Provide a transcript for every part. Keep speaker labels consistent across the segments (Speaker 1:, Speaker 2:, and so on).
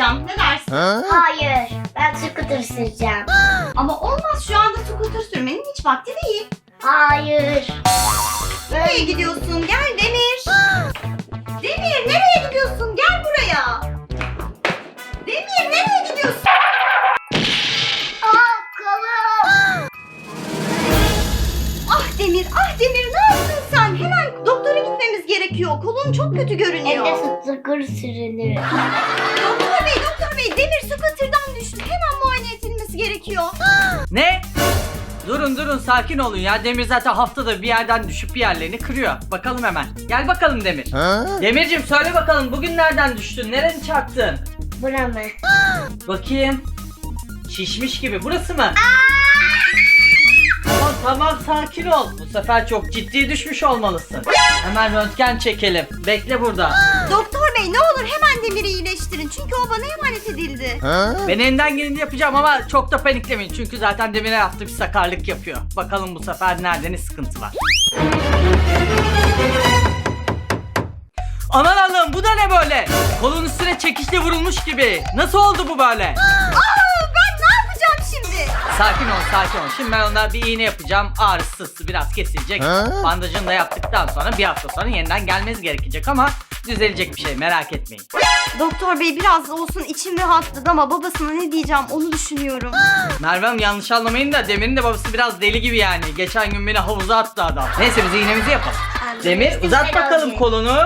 Speaker 1: süreceğim. Ne dersin?
Speaker 2: Hayır. Ben scooter süreceğim.
Speaker 1: Ama olmaz, şu anda scooter sürmenin hiç vakti değil.
Speaker 2: Hayır.
Speaker 1: Nereye gidiyorsun? Gel Demir. Demir nereye gidiyorsun? Gel buraya. Demir nereye gidiyorsun?
Speaker 2: Kolum.
Speaker 1: Ah Demir, ah Demir, ne yaptın sen? Hemen doktora gitmemiz gerekiyor. Kolun çok kötü görünüyor.
Speaker 2: Evde scooter sürülür.
Speaker 1: Doktor bey, Demir scooter'dan düştü. Hemen muayene edilmesi gerekiyor.
Speaker 3: Ne? Durun sakin olun ya. Demir zaten haftada bir yerden düşüp bir yerlerini kırıyor. Bakalım hemen. Gel bakalım Demir. Demircim söyle bakalım, bugün nereden düştün? Nereni çarptın?
Speaker 2: Bura mı?
Speaker 3: Bakayım. Şişmiş gibi. Burası mı? Tamam sakin ol. Bu sefer çok ciddi düşmüş olmalısın. Hemen röntgen çekelim. Bekle burada.
Speaker 1: Doktor bey, ne olur hemen Demir'i iyileştirin. Çünkü o bana emanet edildi.
Speaker 3: Ben elinden geleni yapacağım ama çok da paniklemeyin. Çünkü zaten Demir'e yaptığı bir sakarlık yapıyor. Bakalım bu sefer nerede ne sıkıntı var. Aman Allah'ım, bu da ne böyle? Kolun üstüne çekişle vurulmuş gibi. Nasıl oldu bu böyle?
Speaker 1: Ben ne yapacağım şimdi?
Speaker 3: Sakin ol. Şimdi ben ona bir iğne yapacağım. Ağrısı biraz kesilecek. Bandajını da yaptıktan sonra bir hafta sonra yeniden gelmeniz gerekecek ama düzelecek bir şey, merak etmeyin.
Speaker 1: Doktor bey, biraz da olsun içim rahatladı ama babasına ne diyeceğim onu düşünüyorum.
Speaker 3: Merve Hanım, yanlış anlamayın da Demir'in de babası biraz deli gibi yani. Geçen gün beni havuza attı adam. Neyse biz iğnemizi yapalım. Demir uzat bakalım kolunu.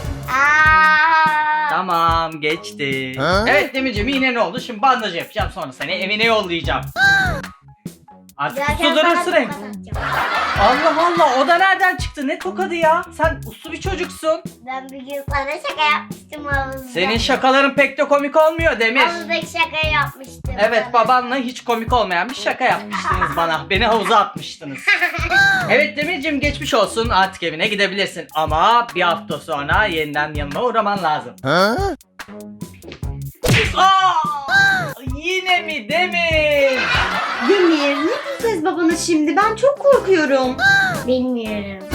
Speaker 3: Tamam, geçti. Evet Demirciğim, iğne ne oldu? Şimdi bandaj yapacağım, sonra seni evine yollayacağım. Artık uslu durursun hem. Allah Allah, o da nereden çıktı? Ne tokadı ya? Sen uslu bir çocuksun.
Speaker 2: Ben bir gün sana şaka yapmıştım havuzda.
Speaker 3: Senin şakaların pek de komik olmuyor Demir.
Speaker 2: Havuzdaki şaka yapmıştım.
Speaker 3: Evet, babanla hiç komik olmayan bir şaka yapmıştınız bana. Beni havuza atmıştınız. Evet Demirciğim, geçmiş olsun. Artık evine gidebilirsin. Ama bir hafta sonra yeniden yanıma uğraman lazım. Aa! Yine mi Demir?
Speaker 1: Demir, ne diyeceğiz babana şimdi? Ben çok korkuyorum.
Speaker 2: Bilmiyorum.